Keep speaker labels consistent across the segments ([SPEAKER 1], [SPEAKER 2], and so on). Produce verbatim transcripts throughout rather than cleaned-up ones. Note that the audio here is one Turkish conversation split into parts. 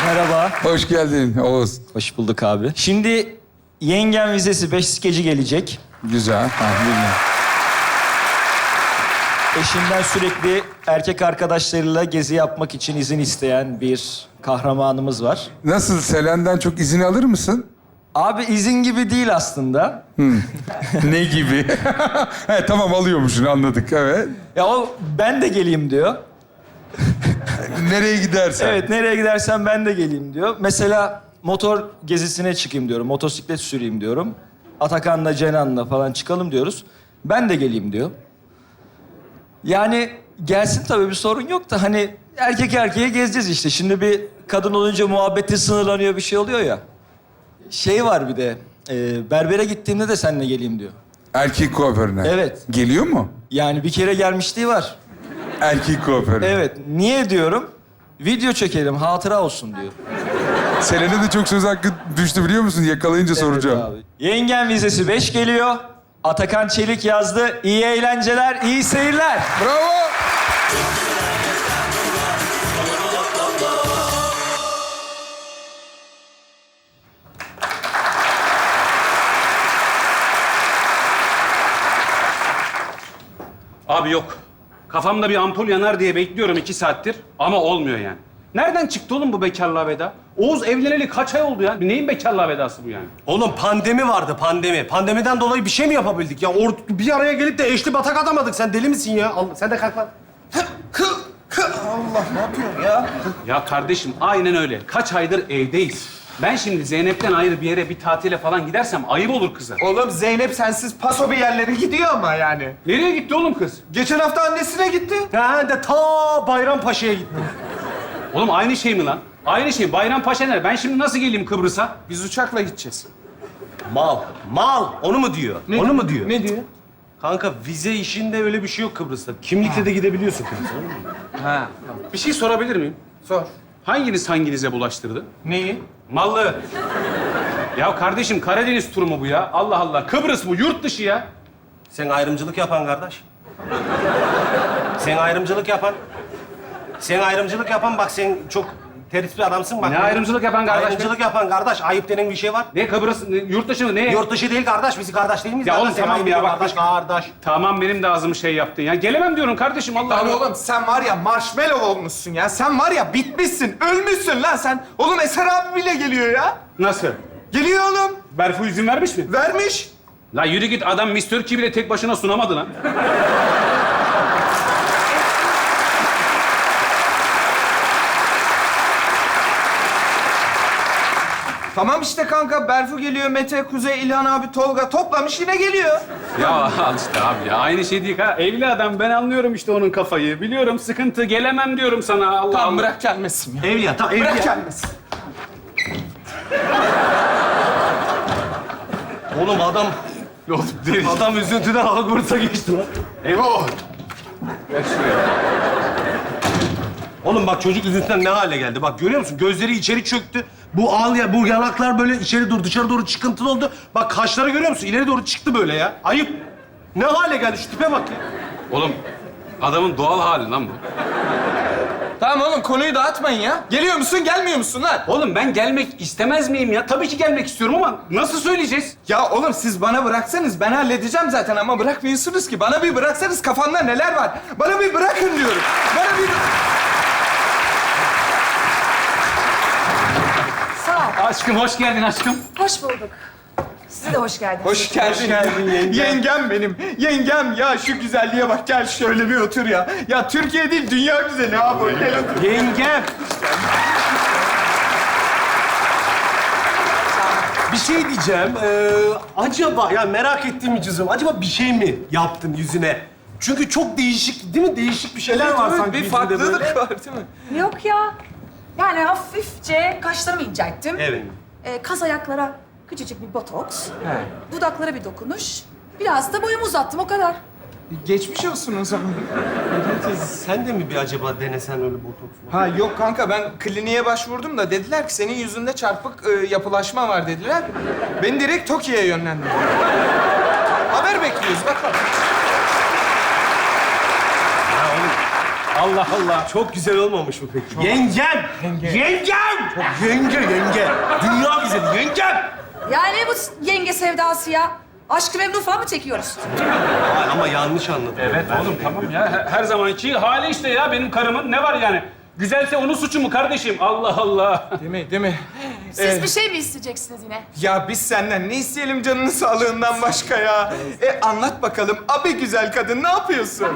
[SPEAKER 1] Merhaba.
[SPEAKER 2] Hoş geldin Oğuz.
[SPEAKER 1] Hoş bulduk abi. Şimdi yengen vizesi beş skeci gelecek.
[SPEAKER 2] Güzel. Ha, bilmiyorum.
[SPEAKER 1] Eşinden sürekli erkek arkadaşlarıyla gezi yapmak için izin isteyen bir kahramanımız var.
[SPEAKER 2] Nasıl? Selen'den çok izin alır mısın?
[SPEAKER 1] Abi izin gibi değil aslında.
[SPEAKER 2] Ne gibi? He, tamam alıyormuşsun anladık evet.
[SPEAKER 1] Ya o ben de geleyim diyor.
[SPEAKER 2] Nereye gidersen.
[SPEAKER 1] Evet nereye gidersen ben de geleyim diyor. Mesela motor gezisine çıkayım diyorum. Motosiklet süreyim diyorum. Atakan'la Cenan'la falan çıkalım diyoruz. Ben de geleyim diyor. Yani gelsin tabii bir sorun yok da hani erkek erkeğe gezeceğiz işte. Şimdi bir kadın olunca muhabbeti sınırlanıyor bir şey oluyor ya. Şey var bir de e, berbere gittiğimde de seninle geleyim diyor.
[SPEAKER 2] Erkek kuaförüne.
[SPEAKER 1] Evet.
[SPEAKER 2] Geliyor mu?
[SPEAKER 1] Yani bir kere gelmişliği var.
[SPEAKER 2] Erkek kuaförüne.
[SPEAKER 1] Evet. Niye diyorum? Video çekelim, hatıra olsun diyor.
[SPEAKER 2] Selen'e de çok söz hakkı düştü biliyor musun? Yakalayınca soracağım.
[SPEAKER 1] Evet abi. Yengen vizesi beş geliyor. Atakan Çelik yazdı. İyi eğlenceler, iyi seyirler.
[SPEAKER 2] Bravo.
[SPEAKER 3] Abi yok. Kafamda bir ampul yanar diye bekliyorum iki saattir ama olmuyor yani. Nereden çıktı oğlum bu bekarlığa veda? Oğuz evleneli kaç ay oldu ya? Neyin bekarlığa vedası bu yani?
[SPEAKER 4] Oğlum pandemi vardı, pandemi. Pandemiden dolayı bir şey mi yapabildik ya? Or bir araya gelip de eşli batak atamadık. Sen deli misin ya? Al, sen de kalk lan.
[SPEAKER 5] Allah ne yapıyorsun ya?
[SPEAKER 3] Ya kardeşim aynen öyle. Kaç aydır evdeyiz. Ben şimdi Zeynep'ten ayrı bir yere bir tatile falan gidersem ayıp olur kıza.
[SPEAKER 5] Oğlum Zeynep sensiz paso bir yerlere gidiyor ama yani.
[SPEAKER 3] Nereye gitti oğlum kız?
[SPEAKER 5] Geçen hafta annesine gitti.
[SPEAKER 4] Ha de ta Bayrampaşa'ya gittim.
[SPEAKER 3] Oğlum aynı şey mi lan? Aynı şey. Bayrampaşa nerede? Ben şimdi nasıl geleyim Kıbrıs'a?
[SPEAKER 5] Biz uçakla gideceğiz.
[SPEAKER 4] Mal, mal. Onu mu diyor? Onu mu diyor?
[SPEAKER 5] Ne diyor?
[SPEAKER 4] Kanka vize işinde öyle bir şey yok Kıbrıs'ta. Kimlikle de gidebiliyorsun Kıbrıs'a.
[SPEAKER 5] Ha.
[SPEAKER 3] Bir şey sorabilir miyim?
[SPEAKER 5] Sor.
[SPEAKER 3] Hanginiz hanginize bulaştırdı?
[SPEAKER 5] Neyi?
[SPEAKER 3] Mallı. Ya kardeşim Karadeniz turu mu bu ya? Allah Allah. Kıbrıs bu, yurt dışı ya.
[SPEAKER 4] Sen ayrımcılık yapan kardeş. Sen ayrımcılık yapan. Sen ayrımcılık yapan bak sen çok tertipli bir adamsın bak.
[SPEAKER 3] Ne ayrımcılık yapan kardeş?
[SPEAKER 4] Ayrımcılık yapan kardeş. Ayıp denen bir şey var.
[SPEAKER 3] Ne Kıbrıs, ne, yurt dışı mı? Ne?
[SPEAKER 4] Yurt dışı değil kardeş. Biz kardeş değil miyiz?
[SPEAKER 3] Ya
[SPEAKER 4] kardeş?
[SPEAKER 3] oğlum
[SPEAKER 4] Sen
[SPEAKER 3] tamam
[SPEAKER 4] ayıp
[SPEAKER 3] ya,
[SPEAKER 4] ediyorsun
[SPEAKER 3] bak-
[SPEAKER 4] kardeş, kardeş.
[SPEAKER 3] Tamam benim de ağzımı şey yaptın ya. Gelemem diyorum kardeşim Allah
[SPEAKER 5] Lan
[SPEAKER 3] Allah.
[SPEAKER 5] oğlum sen var ya marshmallow olmuşsun ya. Sen var ya bitmişsin, ölmüşsün lan sen. Oğlum Eser abi bile geliyor ya.
[SPEAKER 3] Nasıl?
[SPEAKER 5] Geliyor oğlum.
[SPEAKER 3] Berfu izin vermiş mi?
[SPEAKER 5] Vermiş.
[SPEAKER 3] La yürü git adam Miss Turkey bile tek başına sunamadı lan.
[SPEAKER 5] Tamam işte kanka. Berfu geliyor, Mete, Kuzey, İlhan abi, Tolga toplamış yine geliyor.
[SPEAKER 3] Ya al işte abi ya. Aynı şey değil ha. Evli adam ben anlıyorum işte onun kafayı. Biliyorum sıkıntı gelemem diyorum sana Allah
[SPEAKER 5] Tamam
[SPEAKER 3] Allah.
[SPEAKER 5] bırak gelmesin ya.
[SPEAKER 4] Evliya, tamam
[SPEAKER 5] Bırak
[SPEAKER 4] evliya.
[SPEAKER 5] gelmesin.
[SPEAKER 4] Oğlum adam... Adam üzüntüden Hogwarts'a geçti lan.
[SPEAKER 3] Eyvah.
[SPEAKER 4] Oğlum bak çocuk üzüntüden ne hale geldi. Bak görüyor musun? Gözleri içeri çöktü. Bu ağıl ya, bu yanaklar böyle içeri doğru, dışarı doğru çıkıntılı oldu. Bak kaşları görüyor musun? İleri doğru çıktı böyle ya. Ayıp. Ne hale geldi? Şu tipe bak ya.
[SPEAKER 3] Oğlum adamın doğal hali lan bu.
[SPEAKER 5] Tamam oğlum konuyu dağıtmayın ya. Geliyor musun, gelmiyor musun lan?
[SPEAKER 3] Oğlum ben gelmek istemez miyim ya? Tabii ki gelmek istiyorum ama nasıl söyleyeceğiz?
[SPEAKER 5] Ya oğlum siz bana bıraksanız ben halledeceğim zaten ama bırakmıyorsunuz ki. Bana bir bıraksanız kafamda neler var. Bana bir bırakın diyorum. Bana bir...
[SPEAKER 6] Sağ ol.
[SPEAKER 3] Aşkım hoş geldin aşkım.
[SPEAKER 6] Hoş bulduk. Size de hoş geldiniz.
[SPEAKER 5] Hoş geldin.
[SPEAKER 4] Hoş geldin yengem.
[SPEAKER 5] Yengem benim. Yengem ya şu güzelliğe bak gel şöyle bir otur ya. Ya Türkiye değil dünya güzeli abi. Gel otur.
[SPEAKER 4] Yengem. Bir şey diyeceğim. Ee, acaba ya merak ettiğim cüzüm. Acaba bir şey mi yaptın yüzüne? Çünkü çok değişik değil mi? Değişik bir şeyler var
[SPEAKER 5] Evet,
[SPEAKER 4] sanki
[SPEAKER 5] bir
[SPEAKER 4] yüzünde
[SPEAKER 5] farklılık
[SPEAKER 4] böyle.
[SPEAKER 5] var değil mi?
[SPEAKER 6] Yok ya. Yani hafifçe kaşlarımı incelttim.
[SPEAKER 4] Evet.
[SPEAKER 6] Ee, kas ayaklara küçücük bir botoks. Dudaklara bir dokunuş. Biraz da boyumu uzattım o kadar.
[SPEAKER 5] Geçmiş olsun o zaman.
[SPEAKER 4] Sen de mi bir acaba denesen öyle botoks mu?
[SPEAKER 5] Ha yok kanka ben kliniğe başvurdum da dediler ki senin yüzünde çarpık e, yapılaşma var dediler. Beni direkt Tokyo'ya yönlendirdiler. Haber bekliyoruz bakalım.
[SPEAKER 4] Ya oğlum
[SPEAKER 3] Allah Allah.
[SPEAKER 4] Çok güzel olmamış mı peki? Yengem! Yengem! Çok yenge, yenge. Dünya güzeli, yengem!
[SPEAKER 6] Yani bu yenge sevdası ya. Aşk-ı Memnu falan mı çekiyoruz?
[SPEAKER 4] Ay, ama yanlış anladım.
[SPEAKER 3] Evet oğlum tamam ya. Her, her zamanki hali işte ya benim karımın. Ne var yani? Güzelse onun suçu mu kardeşim? Allah Allah.
[SPEAKER 5] Değil mi, değil mi?
[SPEAKER 6] Siz
[SPEAKER 5] Ee,
[SPEAKER 6] bir şey mi isteyeceksiniz yine?
[SPEAKER 5] Ya biz senden ne isteyelim canının sağlığından başka ya? E anlat bakalım abi güzel kadın ne yapıyorsun?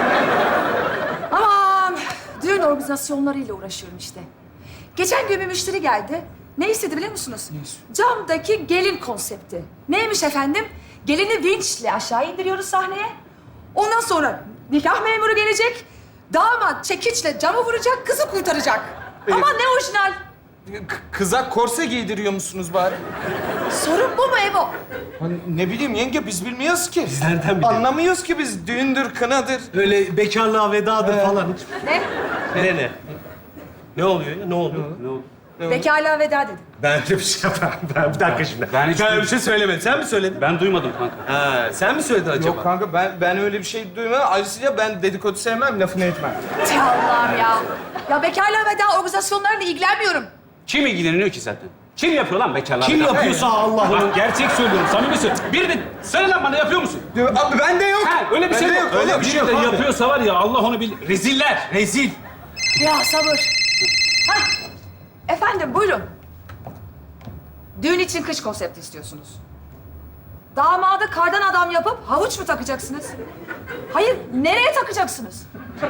[SPEAKER 6] Aman, düğün organizasyonlarıyla uğraşıyorum işte. Geçen gün bir müşteri geldi. Ne istedi biliyor musunuz? Camdaki gelin konsepti. Neymiş efendim? Gelini vinçle aşağı indiriyoruz sahneye. Ondan sonra nikah memuru gelecek. Damat çekiçle camı vuracak, kızı kurtaracak. Ama ne orijinal.
[SPEAKER 5] K- kıza korse giydiriyor musunuz bari?
[SPEAKER 6] Sorun bu mu Evo?
[SPEAKER 5] Hani ne bileyim yenge biz bilmiyoruz ki. Biz
[SPEAKER 4] nereden bilelim?
[SPEAKER 5] Anlamıyoruz ki biz düğündür, kınadır.
[SPEAKER 4] Öyle bekarlığa vedadır falan hiç.
[SPEAKER 6] Ne?
[SPEAKER 4] Ne ne? Ne oluyor ya? Ne oldu? Ne oldu?
[SPEAKER 6] Bekarlığa veda dedim.
[SPEAKER 4] Ben öyle bir şey yapamam. Ben, bir dakika şimdi.
[SPEAKER 3] Ben hiç
[SPEAKER 4] öyle
[SPEAKER 3] duy-
[SPEAKER 4] bir şey söylemedim. Sen mi söyledin?
[SPEAKER 3] Ben duymadım kanka.
[SPEAKER 4] Ha, sen mi söyledin acaba?
[SPEAKER 5] Yok kanka ben ben öyle bir şey duymadım. Ayrıca ben dedikodu sevmem, lafını etmem.
[SPEAKER 6] Tey Allah'ım ya. Ya bekarlığa veda organizasyonlarıyla ilgilenmiyorum.
[SPEAKER 3] Kim ilgileniyor ki zaten? Kim yapıyor lan bekarlar?
[SPEAKER 4] Kim yapıyorsa Allah onu.
[SPEAKER 3] Bak gerçek söylüyorum, samimi söylüyorum. Bir de söyle lan bana yapıyor musun?
[SPEAKER 5] Abi ben de yok.
[SPEAKER 3] Ha, öyle bir
[SPEAKER 5] Bende
[SPEAKER 3] şey
[SPEAKER 5] yok,
[SPEAKER 3] yok.
[SPEAKER 5] öyle
[SPEAKER 3] Öyle
[SPEAKER 5] bir
[SPEAKER 3] bir
[SPEAKER 5] şey
[SPEAKER 3] şey de
[SPEAKER 5] yok abi.
[SPEAKER 3] yapıyorsa var ya Allah onu bil. Reziller.
[SPEAKER 4] Rezil.
[SPEAKER 6] Ya sabır. Hah. Efendim buyurun. Düğün için kış konsepti istiyorsunuz. Damadı kardan adam yapıp havuç mu takacaksınız? Hayır, nereye takacaksınız?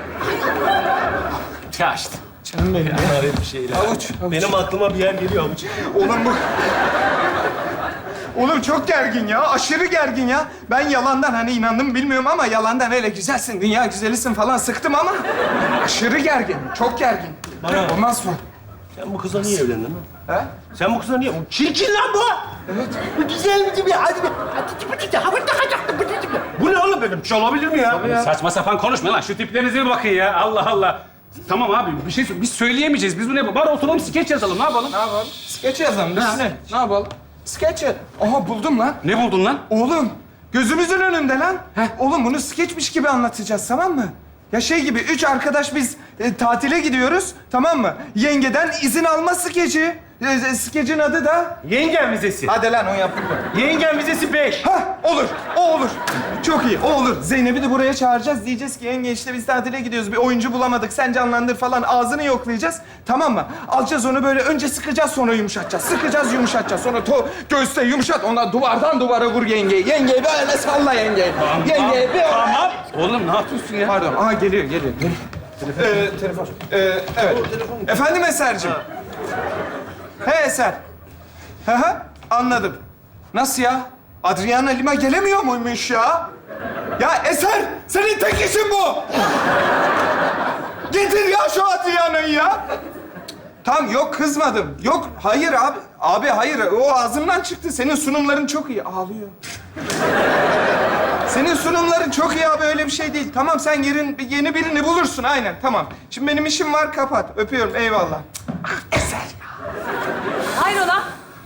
[SPEAKER 3] Ya işte.
[SPEAKER 5] Canım benim ya.
[SPEAKER 4] Bunlar bir şeyler.
[SPEAKER 5] Avuç, avuç.
[SPEAKER 4] Benim aklıma bir yer geliyor avuç.
[SPEAKER 5] Oğlum bu... Oğlum çok gergin ya, aşırı gergin ya. Ben yalandan hani inandım bilmiyorum ama yalandan öyle güzelsin, dünya güzelisin falan sıktım ama... Aşırı gergin, çok gergin.
[SPEAKER 4] Bana-
[SPEAKER 5] Olmaz mı?
[SPEAKER 4] Sen bu kızla niye evlendin lan?
[SPEAKER 5] He?
[SPEAKER 4] Sen bu kızla niye? Bu çirkin lan bu!
[SPEAKER 5] Evet.
[SPEAKER 4] Bu güzel mi gibi? Hadi be. Bu ne oğlum benim? Bir şey olabilir mi ya?
[SPEAKER 3] Saçma sapan konuşma lan. Şu tiplerinize bir bakın ya. Allah Allah. Tamam abi bir şey sor- biz söyleyemeyeceğiz. Biz bu ne? Bari oturalım skeç yazalım. Ne yapalım?
[SPEAKER 5] Ne yapalım? Skeç yazalım biz. Ne? Ne yapalım? Skeç yaz. Aha buldum lan.
[SPEAKER 3] Ne buldun lan?
[SPEAKER 5] Oğlum, gözümüzün önünde lan. Oğlum bunu skeçmiş gibi anlatacağız, tamam mı? Ya şey gibi, üç arkadaş biz e, tatile gidiyoruz, tamam mı? Yengeden izin alma skeci. E, e, skecin adı da...
[SPEAKER 4] Yengen vizesi.
[SPEAKER 5] Hadi lan, o yaptık mı?
[SPEAKER 4] Yengen vizesi beş.
[SPEAKER 5] Hah, olur, o olur. Çok iyi, o olur. Zeynep'i de buraya çağıracağız. Diyeceğiz ki yenge işte biz tatile gidiyoruz, bir oyuncu bulamadık, sen canlandır falan. Ağzını yoklayacağız, tamam mı? Alacağız onu böyle, önce sıkacağız, sonra yumuşatacağız. Sıkacağız, yumuşatacağız. Sonra to göğüste yumuşat, ondan duvardan duvara vur yengeyi. Yengeyi böyle salla yengeyi. Yengeyi bir...
[SPEAKER 3] Tamam. Oğlum ne yapıyorsun ya?
[SPEAKER 5] Pardon, aha geliyor, geliyor. Ee, telefon. Ee, evet. Efendim Eser'cim. He Eser. Hı hı, anladım. Nasıl ya? Adriana Lima gelemiyor muymuş ya? Ya Eser, senin tek işin bu. Getir ya şu Adriana'yı ya. Tamam, yok kızmadım. Yok, hayır abi. Abi hayır, o ağzımdan çıktı. Senin sunumların çok iyi. Ağlıyor. Senin sunumların çok iyi abi, öyle bir şey değil. Tamam, sen yerin, yeni birini bulursun, aynen, tamam. Şimdi benim işim var, kapat. Öpüyorum, eyvallah. Ah, Eser ya.
[SPEAKER 6] Hayrola?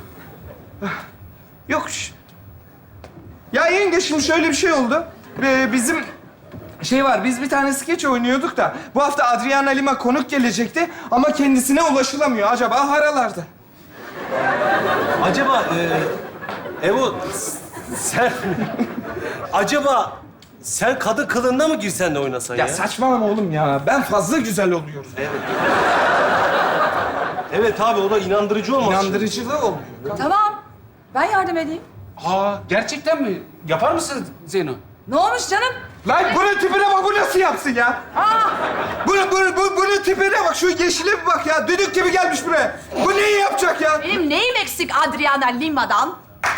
[SPEAKER 5] Yok. şş. Ya yenge, şimdi şöyle bir şey oldu. Ee, bizim şey var, biz bir tane skeç oynuyorduk da... ...bu hafta Adriana Lima konuk gelecekti ama kendisine ulaşılamıyor. Acaba haralarda.
[SPEAKER 4] Acaba e, Evo sen acaba sen kadın kılığında mı girsen de oynasan ya?
[SPEAKER 5] Ya saçmalama oğlum ya. Ben fazla güzel oluyorum.
[SPEAKER 4] Evet abi o da inandırıcı olmaz.
[SPEAKER 5] İnandırıcılığı olmuyor.
[SPEAKER 6] Tamam. Ben yardım edeyim.
[SPEAKER 3] Aa gerçekten mi? Yapar mısın Zeyno?
[SPEAKER 6] Ne olmuş canım?
[SPEAKER 5] Lan bunun tipine bak, bu nasıl yapsın ya?
[SPEAKER 6] Aa,
[SPEAKER 5] Bunun, bunun, bu- bunun tipine bak, şu yeşile bir bak ya. Düdük gibi gelmiş buraya. Bu neyi yapacak ya?
[SPEAKER 6] benim neyim eksik Adriana Lima'dan?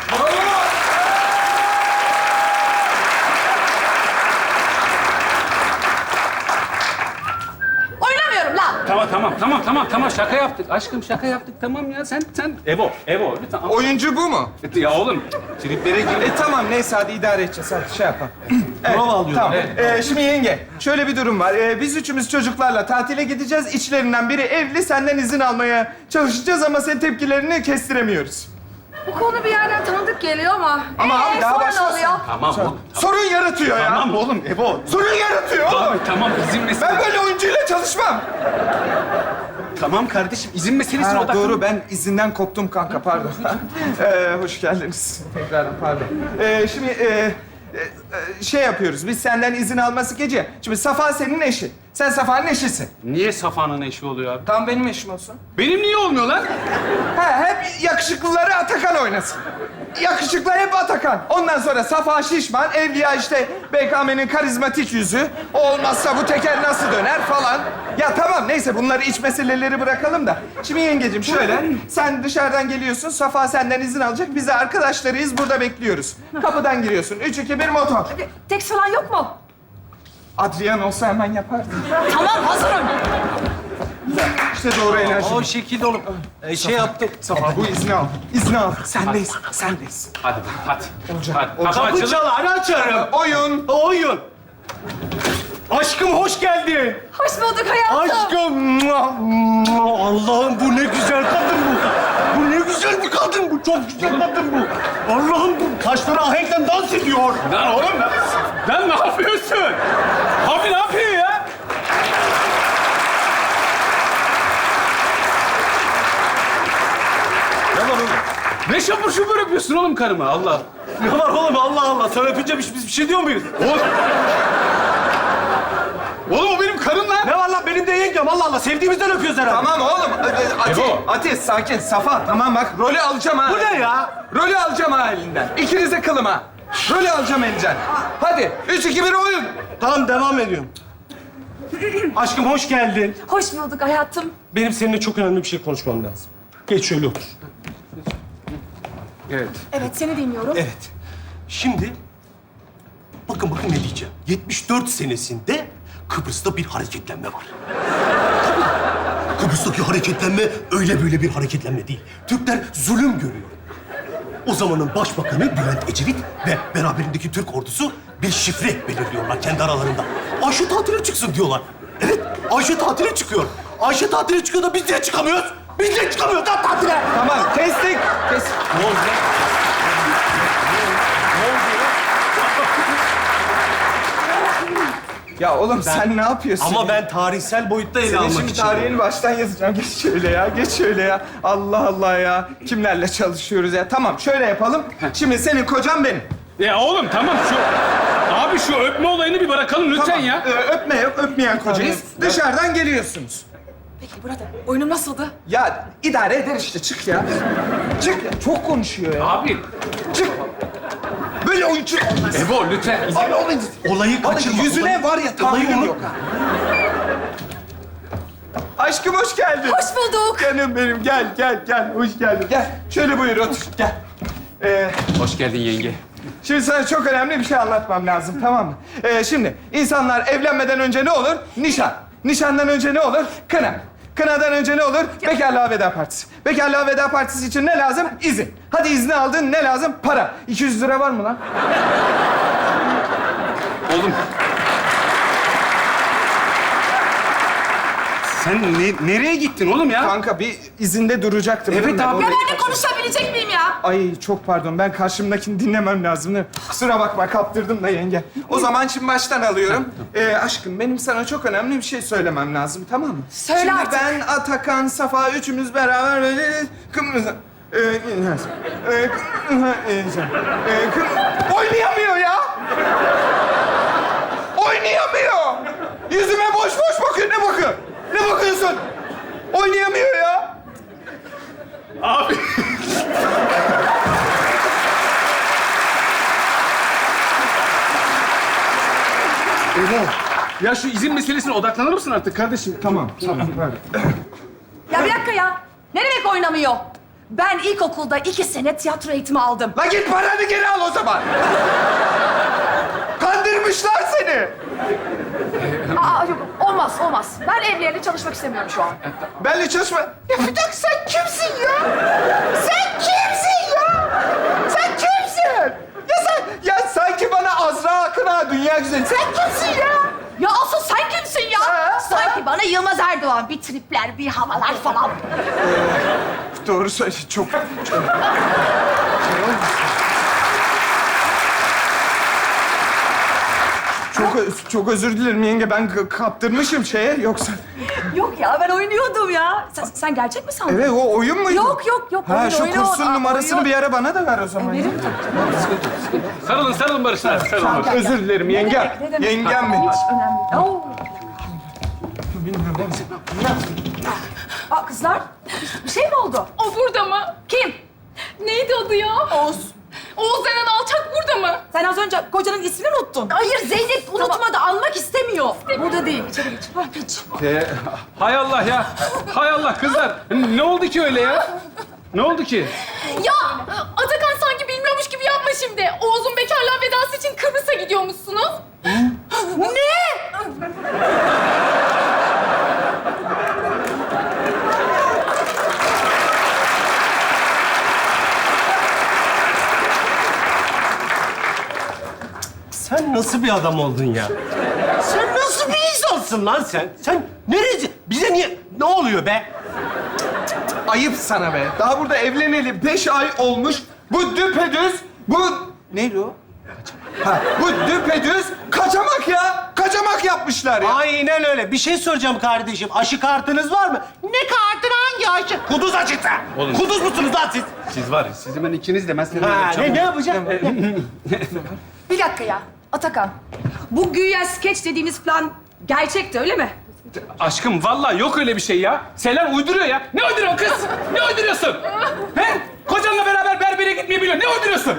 [SPEAKER 6] Oynamıyorum lan.
[SPEAKER 3] Tamam tamam tamam tamam tamam şaka yaptık. Aşkım şaka yaptık tamam ya sen sen Evo Evo lütfen.
[SPEAKER 5] Oyuncu bu mu?
[SPEAKER 3] Ya oğlum
[SPEAKER 4] Triplere gir.
[SPEAKER 5] E tamam, neyse hadi idare edeceğiz. Hadi şey yapalım.
[SPEAKER 4] Prova alıyorum.
[SPEAKER 5] Tamam. Ee, şimdi yenge, şöyle bir durum var. Ee, biz üçümüz çocuklarla tatile gideceğiz. İçlerinden biri evli, senden izin almaya çalışacağız ama senin tepkilerini kestiremiyoruz.
[SPEAKER 6] Bu konu bir yerden tanıdık geliyor ama...
[SPEAKER 5] Ama
[SPEAKER 6] Ee,
[SPEAKER 5] abi daha
[SPEAKER 6] sonra ne
[SPEAKER 5] başlasın.
[SPEAKER 6] oluyor?
[SPEAKER 3] Tamam oğlum.
[SPEAKER 5] Sorun yaratıyor ya.
[SPEAKER 3] Tamam oğlum Ebo.
[SPEAKER 5] Sorun yaratıyor oğlum.
[SPEAKER 3] Abi tamam izin meselesi.
[SPEAKER 5] Ben böyle oyuncuyla çalışmam.
[SPEAKER 3] Tamam kardeşim izin meselesine
[SPEAKER 5] Ha,
[SPEAKER 3] odaklan.
[SPEAKER 5] doğru, ben izinden koptum kanka, pardon. ee, hoş geldiniz. Tekrardan pardon. Ee, şimdi e, e, e, şey yapıyoruz, biz senden izin alması gece. Şimdi Safa senin eşi. Sen Safa'nın eşisin.
[SPEAKER 3] Niye Safa'nın eşi oluyor abi?
[SPEAKER 5] Tamam, benim eşim olsun.
[SPEAKER 3] Benim niye olmuyor lan?
[SPEAKER 5] Ha, hep yakışıklıları Atakan oynasın. Yakışıklı hep Atakan. Ondan sonra Safa şişman, Evliya işte B K M'nin karizmatik yüzü. O olmazsa bu teker nasıl döner falan. Ya tamam, neyse bunları iç meseleleri bırakalım da. Şimdi yengecim şöyle, sen dışarıdan geliyorsun, Safa senden izin alacak. Biz de arkadaşlarıyız, burada bekliyoruz. Kapıdan giriyorsun. Üç, iki, bir, motor.
[SPEAKER 6] Teks falan yok mu?
[SPEAKER 5] Adrian olsa hemen yapardı.
[SPEAKER 6] Tamam, hazırım.
[SPEAKER 5] İşte doğru enerji.
[SPEAKER 4] O şekilde oğlum. Ee, şey yaptım.
[SPEAKER 5] Safa bu izni al. İzni al. Sendeyiz, sendeyiz.
[SPEAKER 3] Hadi hadi.
[SPEAKER 5] Olacak,
[SPEAKER 3] Hadi.
[SPEAKER 5] olacak.
[SPEAKER 3] Kapı
[SPEAKER 4] Kapı
[SPEAKER 3] açılır.
[SPEAKER 4] çal, hadi açarım.
[SPEAKER 5] Oyun.
[SPEAKER 4] Oyun. Aşkım hoş geldin.
[SPEAKER 6] Hoş bulduk hayatım.
[SPEAKER 4] Aşkım. mua, mua. Allah'ım bu ne güzel kadın bu. Bu ne güzel bir kadın bu. Çok güzel kadın bu. Allah'ım bu kaşları ahenkle dans ediyor.
[SPEAKER 3] Lan oğlum lan. Lan ne yapıyorsun? Abi ne yapıyor ya?
[SPEAKER 4] Ne var oğlum?
[SPEAKER 3] Ne şapur şupur yapıyorsun oğlum karıma Allah.
[SPEAKER 4] Ne var oğlum? Allah Allah. Sen öpünce biz, biz bir şey diyor muyuz?
[SPEAKER 3] Oğlum. Oğlum o benim karım lan.
[SPEAKER 4] Ne var lan? Benim de yengem. Allah Allah. Sevdiğimizden öpüyoruz herhalde.
[SPEAKER 5] Tamam oğlum. Ati,
[SPEAKER 3] Ebo.
[SPEAKER 5] Ati sakin. Safa tamam bak. Rolü alacağım ha.
[SPEAKER 4] Bu ne ya?
[SPEAKER 5] Rolü alacağım ha elinden. İkinize kılım ha. Rolü alacağım elinden. Hadi. Üç, iki, bir oyun.
[SPEAKER 4] Tamam devam ediyorum. Aşkım hoş geldin.
[SPEAKER 6] Hoş bulduk hayatım.
[SPEAKER 4] Benim seninle çok önemli bir şey konuşmam lazım. Geç şöyle otur.
[SPEAKER 3] Evet.
[SPEAKER 6] Evet, seni dinliyorum.
[SPEAKER 4] Evet. Şimdi bakın bakın ne diyeceğim. yetmiş dört senesinde Kıbrıs'ta bir hareketlenme var. Tabii. Kıbrıs'taki hareketlenme öyle böyle bir hareketlenme değil. Türkler zulüm görüyor. O zamanın başbakanı Bülent Ecevit ve beraberindeki Türk ordusu bir şifre belirliyorlar kendi aralarında. Ayşe tatile çıksın diyorlar. Evet, Ayşe tatile çıkıyor. Ayşe tatile çıkıyor da biz niye çıkamıyoruz? Biz niye çıkamıyoruz lan tatile?
[SPEAKER 5] Tamam. Kestik. Kes.
[SPEAKER 4] Ne oldu lan?
[SPEAKER 5] Ya oğlum sen ne yapıyorsun?
[SPEAKER 4] Ama ben tarihsel boyutta ele
[SPEAKER 5] Senin
[SPEAKER 4] almak
[SPEAKER 5] şimdi
[SPEAKER 4] için.
[SPEAKER 5] tarihini baştan yazacağım. Geç şöyle ya. Geç şöyle ya. Allah Allah ya. Kimlerle çalışıyoruz ya? Tamam şöyle yapalım. Şimdi senin kocan benim.
[SPEAKER 3] Ya oğlum tamam şu... Abi şu öpme olayını bir bırakalım lütfen
[SPEAKER 5] Tamam.
[SPEAKER 3] ya.
[SPEAKER 5] Ee, öpme yok. Öpmeyen kocayız. Dışarıdan geliyorsunuz.
[SPEAKER 6] Peki burada oyunum nasıldı?
[SPEAKER 5] Ya idare eder işte. Çık ya. Çık ya. Çok konuşuyor ya.
[SPEAKER 3] Abi.
[SPEAKER 5] Çık. Böyle oyuncu olmaz.
[SPEAKER 3] Ebo lütfen.
[SPEAKER 5] Abi oğlum.
[SPEAKER 4] Olayı
[SPEAKER 5] Vallahi
[SPEAKER 4] kaçırma.
[SPEAKER 5] yüzüne
[SPEAKER 4] olayı-
[SPEAKER 5] var ya
[SPEAKER 4] olayı
[SPEAKER 5] tahammülüm
[SPEAKER 4] unutma.
[SPEAKER 5] yok ha. Aşkım hoş geldin.
[SPEAKER 6] Hoş bulduk.
[SPEAKER 5] Canım benim gel gel gel. Hoş geldin. Gel. Şöyle buyur otur. Gel. Ee,
[SPEAKER 3] Hoş geldin yenge.
[SPEAKER 5] şimdi sana çok önemli bir şey anlatmam lazım tamam mı? Ee, şimdi insanlar evlenmeden önce ne olur? Nişan. Nişandan önce ne olur? Kına. Kınadan önce ne olur? Bekarlığa veda partisi. Bekarlığa veda partisi için ne lazım? İzin. Hadi izni aldın ne lazım? Para. iki yüz lira var mı lan?
[SPEAKER 3] Oğlum. Sen ne- nereye gittin oğlum ya?
[SPEAKER 5] Kanka bir izinde duracaktım.
[SPEAKER 3] Evet
[SPEAKER 5] değil mi?
[SPEAKER 3] abi.
[SPEAKER 6] Ya ben de konuşabilecek miyim ya?
[SPEAKER 5] Ay çok pardon. Ben karşımdakini dinlemem lazım değil mi? Kusura bakma kaptırdım da yenge. O zaman şimdi baştan alıyorum. Ee, aşkım benim sana çok önemli bir şey söylemem lazım tamam mı?
[SPEAKER 6] Söyle
[SPEAKER 5] şimdi
[SPEAKER 6] artık.
[SPEAKER 5] ben, Atakan, Safa üçümüz beraber böyle Kıbrıs'a... Ee, ineriz. Ee, Kıbrıs'a ineceğim. Ee, Kıbrı- Oynayamıyor ya! Oynayamıyor! Yüzüme boş boş bakıyor. Ne bakıyor? Ne bakıyorsun? Oynayamıyor ya!
[SPEAKER 3] Abi. Ebo. Ya şu izin meselesine odaklanır mısın artık kardeşim?
[SPEAKER 5] Tamam, tamam.
[SPEAKER 6] Ya bir dakika ya. Ne demek oynamıyor? Ben ilkokulda iki sene tiyatro eğitimi aldım.
[SPEAKER 5] La git paranı geri al o zaman. Kandırmışlar seni.
[SPEAKER 6] Aa yok, olmaz olmaz. Ben evliyeyle çalışmak istemiyorum şu an.
[SPEAKER 5] Benle çalışma. Ya bir dakika sen kimsin ya? Sen kimsin ya? Sen kimsin? Ya sen, ya sanki bana Azra Akın'a dünya güzeli. Sen kimsin ya?
[SPEAKER 6] Ya asıl sen kimsin ya?
[SPEAKER 5] Ha,
[SPEAKER 6] Sanki bana Yılmaz Erdoğan bir tripler, bir havalar falan.
[SPEAKER 5] Çok doğru söyle. Çok, çok. Çok, ö- çok özür dilerim yenge. Ben k- kaptırmışım şeye. Yoksa...
[SPEAKER 6] Yok ya ben oynuyordum ya. Sen, sen gerçek mi sandın?
[SPEAKER 5] Evet, o oyun muydu?
[SPEAKER 6] Yok yok yok.
[SPEAKER 5] Ha,
[SPEAKER 6] oyun,
[SPEAKER 5] şu
[SPEAKER 6] oyun,
[SPEAKER 5] kursun
[SPEAKER 6] Aa,
[SPEAKER 5] numarasını
[SPEAKER 6] oyun.
[SPEAKER 5] bir ara bana da ver o zaman. ya.
[SPEAKER 6] Veririm tabii.
[SPEAKER 3] Sarılın, sarılın barışlar. Sarılın.
[SPEAKER 6] Gel, gel.
[SPEAKER 5] Özür dilerim
[SPEAKER 6] Ne
[SPEAKER 5] yenge.
[SPEAKER 6] demek, ne demek?
[SPEAKER 5] Yengem benim.
[SPEAKER 6] Hiç önemli değil. Oo. Aa, kızlar, bir şey mi oldu?
[SPEAKER 7] O burada mı?
[SPEAKER 6] Kim?
[SPEAKER 7] Neydi adı ya?
[SPEAKER 6] Oğuz.
[SPEAKER 7] Oğuz denen alçak burada mı?
[SPEAKER 6] Sen az önce kocanın ismini unuttun. Hayır, Zeynep unutmadı, anmak istemiyor. Burada değil, içeri geç. Ha, geç.
[SPEAKER 3] Ee, hay Allah ya. Hay Allah kızlar. Ne oldu ki öyle ya? Ne oldu ki?
[SPEAKER 7] Ya Atakan sanki bilmiyormuş gibi yapma şimdi. Oğuz'un bekarlığa vedası için Kıbrıs'a gidiyormuşsunuz.
[SPEAKER 4] Sen nasıl bir adam oldun ya? Sen nasıl bir insansın lan sen? Sen neresi? Bize niye? Ne oluyor be?
[SPEAKER 5] Ayıp sana be. Daha burada evleneli beş ay olmuş. Bu düpedüz, bu... Neydi o? Ha, bu düpedüz kaçamak ya. Kaçamak yapmışlar ya.
[SPEAKER 4] Aynen öyle. Bir şey soracağım kardeşim. Aşı kartınız var mı? Ne kartın, hangi aşı? Kuduz aşısı.
[SPEAKER 3] Oğlum.
[SPEAKER 4] Kuduz musunuz lan siz?
[SPEAKER 3] Siz var ya, sizi ben ikiniz de ben seni
[SPEAKER 4] Ha, ne, ne yapacağım?
[SPEAKER 6] Bir dakika ya, Atakan. Bu güya skeç dediğiniz plan gerçekti, öyle mi?
[SPEAKER 3] Aşkım vallahi yok öyle bir şey ya. Selen uyduruyor ya. Ne uyduruyorsun kız? Ne uyduruyorsun? He? Kocanla beraber berbere gitmeyi biliyor. Ne uyduruyorsun?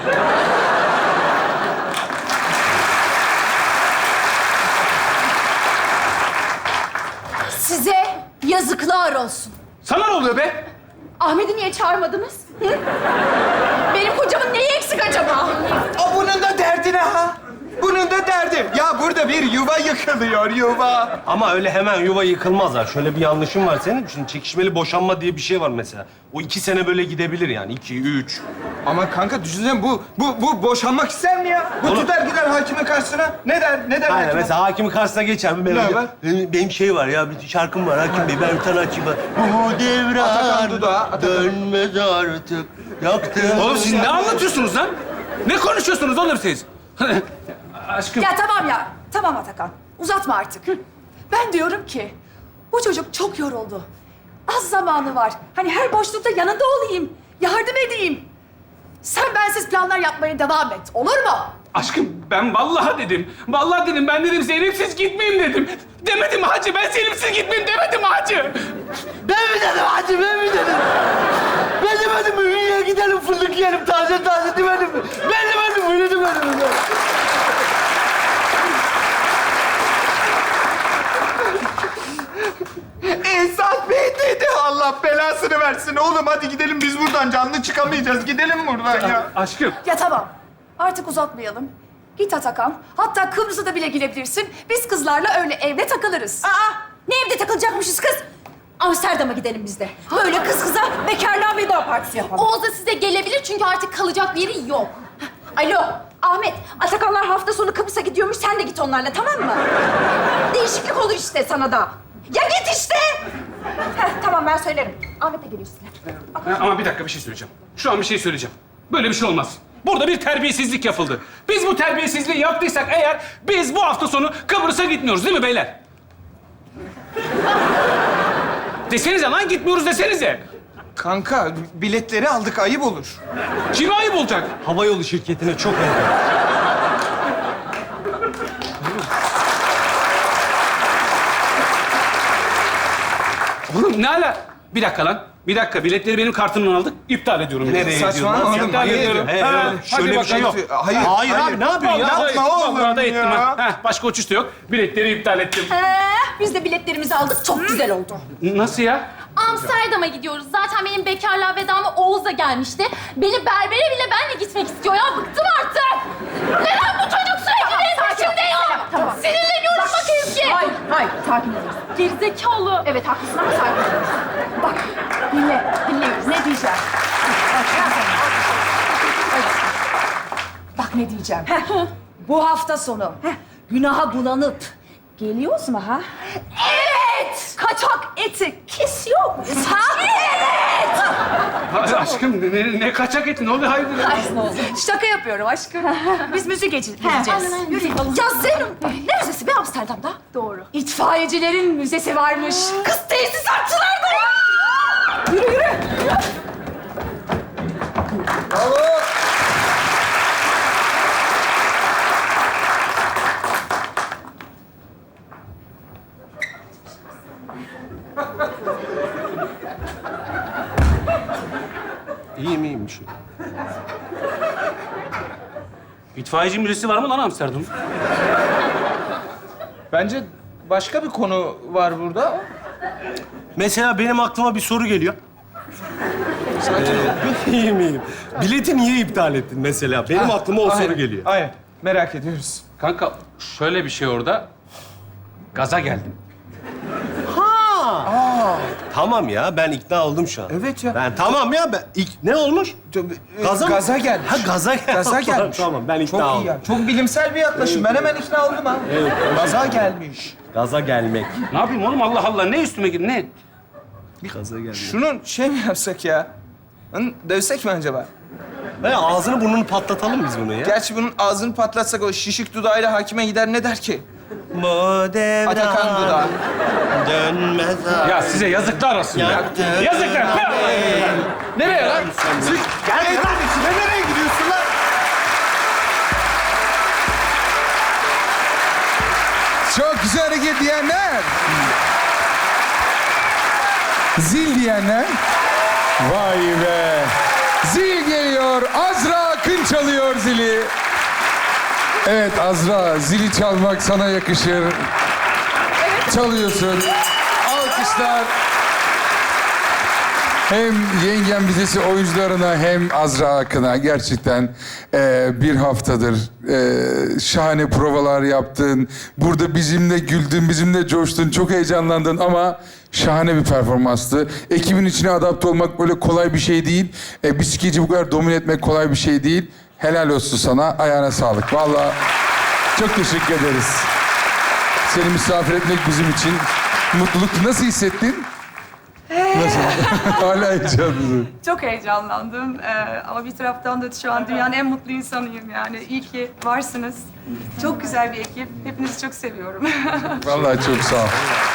[SPEAKER 6] Size yazıklar olsun.
[SPEAKER 3] Sana ne oluyor be?
[SPEAKER 7] Ahmet'i niye çağırmadınız? Hı? Benim kocamın neyi eksik acaba?
[SPEAKER 5] O bunun da derdi ne ha? Bunun da derdi. Ya burada bir yuva yıkılıyor, yuva.
[SPEAKER 4] Ama öyle hemen yuva yıkılmaz ha. Şöyle bir yanlışım var senin. Şimdi çekişmeli boşanma diye bir şey var mesela. O iki sene böyle gidebilir yani. İki, üç.
[SPEAKER 5] Ama kanka düşünsene bu, bu, bu boşanmak ister mi ya? Bu
[SPEAKER 4] Oğlum-
[SPEAKER 5] tutar gider hakimin karşısına. Ne der, ne der
[SPEAKER 4] Aynen
[SPEAKER 5] hakime?
[SPEAKER 4] mesela hakimin karşısına geçer. Benim,
[SPEAKER 5] Ne var?
[SPEAKER 4] benim, benim şey var ya, bir şarkım var hakim bey. Ben bir tane açayım. Bu devran
[SPEAKER 5] Atakan Dudağı, Atakan.
[SPEAKER 4] dönmez artık. Yaktım.
[SPEAKER 3] Oğlum siz ne anlatıyorsunuz lan? Ne konuşuyorsunuz oğlum siz? Aşkım.
[SPEAKER 6] Ya tamam ya, tamam Atakan. Uzatma artık. Ben diyorum ki, bu çocuk çok yoruldu. Az zamanı var. Hani her boşlukta yanında olayım, yardım edeyim. Sen bensiz planlar yapmaya devam et, olur mu?
[SPEAKER 3] Aşkım ben vallahi dedim. Vallahi dedim. Ben dedim Zeynep'siz gitmeyeyim dedim. Demedim mi hacı? Ben Zeynep'siz gitmeyeyim demedim mi hacı?
[SPEAKER 4] Ben mi dedim hacı, ben mi dedim? Ben demedim mi? Ünlü'ye gidelim, fındık yiyelim, taze taze demedim mi? Ben demedim mi? Öyle demedim mi?
[SPEAKER 5] Esat Bey dedi. Allah belasını versin. Oğlum hadi gidelim biz buradan. Canlı çıkamayacağız. Gidelim buradan ya.
[SPEAKER 3] Aşkım.
[SPEAKER 6] Ya tamam, artık uzatmayalım. Git Atakan, hatta Kıbrıs'a da bile gidebilirsin. Biz kızlarla öyle evde takılırız. Aa, ne evde takılacakmışız kız? Amsterdam'a gidelim biz de. Böyle kız kıza bekarlığa veda partisi yapalım.
[SPEAKER 7] Oğuz da size gelebilir çünkü artık kalacak bir yeri yok.
[SPEAKER 6] Alo, Ahmet. Atakanlar hafta sonu Kıbrıs'a gidiyormuş. Sen de git onlarla, tamam mı? Değişiklik olur işte sana da. Ya git işte! Heh, tamam ben söylerim. Ahmet de geliyor sizinle.
[SPEAKER 3] Ha, ama bir dakika bir şey söyleyeceğim. Şu an bir şey söyleyeceğim. Böyle bir şey olmaz. Burada bir terbiyesizlik yapıldı. Biz bu terbiyesizliği yaptıysak eğer biz bu hafta sonu Kıbrıs'a gitmiyoruz değil mi beyler? Desenize lan gitmiyoruz desenize.
[SPEAKER 5] Kanka biletleri aldık. Ayıp olur.
[SPEAKER 3] Kime ayıp olacak?
[SPEAKER 4] Havayolu şirketine çok ayıp.
[SPEAKER 3] Oğlum ne ala? Bir dakika lan. Bir dakika. Biletleri benim kartımdan aldık. İptal ediyorum.
[SPEAKER 4] Nereye
[SPEAKER 5] Saçmalama
[SPEAKER 4] gidiyorsun lan?
[SPEAKER 5] oğlum,
[SPEAKER 3] İptal
[SPEAKER 5] hayır.
[SPEAKER 3] ediyorum.
[SPEAKER 4] He,
[SPEAKER 3] Ha,
[SPEAKER 4] öyle.
[SPEAKER 3] hadi
[SPEAKER 4] Şöyle bir şey yok.
[SPEAKER 3] bakalım.
[SPEAKER 5] Hayır,
[SPEAKER 4] Hayır abi, ne yapıyorsun ya?
[SPEAKER 3] Vallahi-
[SPEAKER 5] Yapma oğlum
[SPEAKER 3] vallahi da ettim
[SPEAKER 5] ya.
[SPEAKER 3] ha. Heh, başka uçuş da yok. Biletleri iptal ettim.
[SPEAKER 6] Ee, biz de biletlerimizi aldık. Çok güzel oldu.
[SPEAKER 3] Nasıl ya?
[SPEAKER 7] Amsterdam'a gidiyoruz. Zaten benim bekarlığa vedama Oğuz da gelmişti. Beni berbere bile benle gitmek istiyor ya. Bıktım artık. Neden bu çocuk sürekli benim peşimde ya?
[SPEAKER 6] tamam.
[SPEAKER 7] Sinirleniyorum bak Ezgi.
[SPEAKER 6] Hayır, hayır. Sakin olun.
[SPEAKER 7] Gerizekalı.
[SPEAKER 6] Evet, haklısın ama sakin olun. Bak, dinle, dinleyiz. Ne diyeceğim? Bak, ben sana- Evet. Bak ne diyeceğim. Heh, bu hafta sonu heh, günaha bulanıp geliyoruz mu ha? Evet! Kaçak eti kesiyor muyuz ha? Evet!
[SPEAKER 3] Hadi aşkım ne, ne kaçak eti? Ne oluyor hayırdır? ya?
[SPEAKER 6] Şaka yapıyorum aşkım. Biz müzik gece- gideceğiz. Yürü. Ya Zeynep, ne müzesi be Amsterdam'da? Doğru. İtfaiyecilerin müzesi varmış. Kız tesisatçılar da var. Yürü yürü.
[SPEAKER 4] İyiyim iyiyim şu.
[SPEAKER 3] İtfaiyeci müzesi var mı lan Amsterdam?
[SPEAKER 5] Bence başka bir konu var burada.
[SPEAKER 4] Mesela benim aklıma bir soru geliyor. Ee, iyiyim iyiyim. Bileti niye iptal ettin mesela? Benim aklıma o soru
[SPEAKER 5] Aynen,
[SPEAKER 4] geliyor.
[SPEAKER 5] Aynen. Merak ediyoruz.
[SPEAKER 3] Kanka şöyle bir şey orada. Gaza geldim.
[SPEAKER 4] Tamam ya ben ikna oldum şu an.
[SPEAKER 5] Evet ya.
[SPEAKER 4] Ben tamam ya ben ilk ne olmuş? Gaza mı?
[SPEAKER 5] Gaza gelmiş.
[SPEAKER 4] Ha gaza gelmiş.
[SPEAKER 5] Gaza gelmiş.
[SPEAKER 4] Tamam ben ikna
[SPEAKER 5] Çok iyi
[SPEAKER 4] oldum.
[SPEAKER 5] ya. Çok bilimsel bir yaklaşım. Ben hemen ikna oldum ha. Gaza gelmiş.
[SPEAKER 4] Gaza gelmek.
[SPEAKER 3] Ne yapayım oğlum Allah Allah ne üstüme gir ne?
[SPEAKER 4] Gaza gelmek.
[SPEAKER 5] Şunun şey mi yapsak ya? Hı, dövsek mi acaba?
[SPEAKER 4] He, ağzını burnunu patlatalım biz bunu ya.
[SPEAKER 5] Gerçi bunun ağzını patlatsak o şişik dudağıyla hakime gider ne der ki?
[SPEAKER 4] Bu devran
[SPEAKER 5] Atakan dudağı.
[SPEAKER 4] dönmez ha.
[SPEAKER 3] Ya size yazıklar olsun ya. Yazıklar.
[SPEAKER 5] Nereye lan?
[SPEAKER 4] Gel lan içine nereye gidiyorsun lan?
[SPEAKER 2] Çok güzel hareket diyenler. Zil diyenler. Vay be. Zil geliyor. Azra Akın çalıyor zili. Evet Azra, zili çalmak sana yakışır. Çalıyorsun. Alkışlar. Hem Yengem Vizesi oyuncularına hem Azra Akın'a gerçekten e, bir haftadır e, şahane provalar yaptın. Burada bizimle güldün, bizimle coştun, çok heyecanlandın ama şahane bir performanstı. Ekibin içine adapte olmak böyle kolay bir şey değil. E, bir skeci bu kadar domine etmek kolay bir şey değil. Helal olsun sana, ayağına sağlık. Vallahi çok teşekkür ederiz. Seni misafir etmek bizim için mutluluktu. Nasıl hissettin? Nasıl? Hala heyecanlısın.
[SPEAKER 8] Çok heyecanlandım Ee, ama bir taraftan da şu an dünyanın en mutlu insanıyım yani. İyi ki varsınız. Çok güzel bir ekip. Hepinizi çok seviyorum.
[SPEAKER 2] Vallahi çok sağ ol.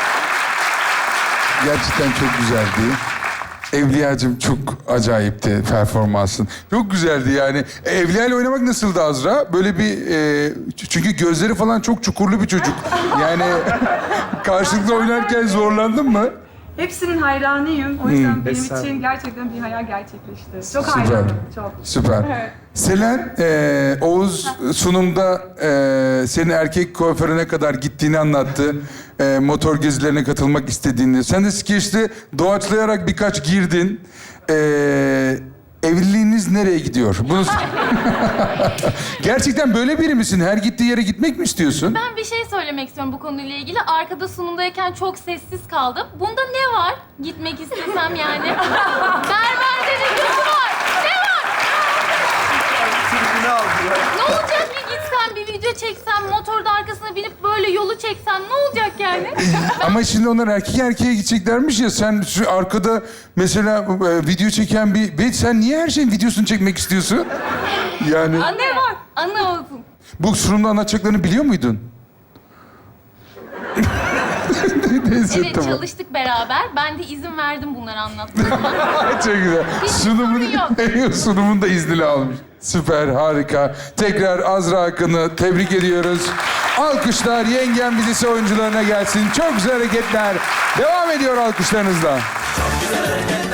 [SPEAKER 2] Gerçekten çok güzeldi. Evliyacığım çok acayipti performansın. Çok güzeldi yani. E, Evliya ile oynamak nasıldı Azra? Böyle bir... E, çünkü gözleri falan çok çukurlu bir çocuk. Yani karşılıklı oynarken zorlandın mı?
[SPEAKER 8] Hepsinin hayranıyım. O yüzden benim için gerçekten bir hayal gerçekleşti. Çok hayranım. Çok.
[SPEAKER 2] Süper.
[SPEAKER 8] Evet.
[SPEAKER 2] Selen, e, Oğuz sunumda e, senin erkek kuaförüne kadar gittiğini anlattı. E, motor gezilerine katılmak istediğini. Sen de skeçte doğaçlayarak birkaç girdin. E, evliliğiniz nereye gidiyor? Bunu... Gerçekten böyle biri misin? Her gittiği yere gitmek mi istiyorsun?
[SPEAKER 7] Ben bir şey söylemek istiyorum bu konuyla ilgili. Arkada sunumdayken çok sessiz kaldım. Bunda ne var? Gitmek istesem yani. Berberde ne kötü var? Ne var? Ne olacak ki gitsem bir video çeksem, motorda arkasına binip böyle yolu çeksem ne olacak yani?
[SPEAKER 2] Ama şimdi onlar erkek erkeğe gideceklermiş ya. Sen şu arkada mesela e, video çeken bir... Be, sen niye her şeyin videosunu çekmek istiyorsun? Yani...
[SPEAKER 7] Anne var. Anne olsun.
[SPEAKER 2] Bu sunumda anlatacaklarını biliyor muydun? Neyse,
[SPEAKER 7] Evet
[SPEAKER 2] tamam.
[SPEAKER 7] çalıştık beraber. Ben de izin verdim bunları anlatmama.
[SPEAKER 2] Çok güzel.
[SPEAKER 7] Hiç
[SPEAKER 2] Sunumun,
[SPEAKER 7] sorun
[SPEAKER 2] sunumun da iznini almış. Süper, harika. Tekrar Azra Akın'ı tebrik ediyoruz. Alkışlar Yengem Vizesi oyuncularına gelsin. Çok güzel hareketler. Devam ediyor alkışlarınızla.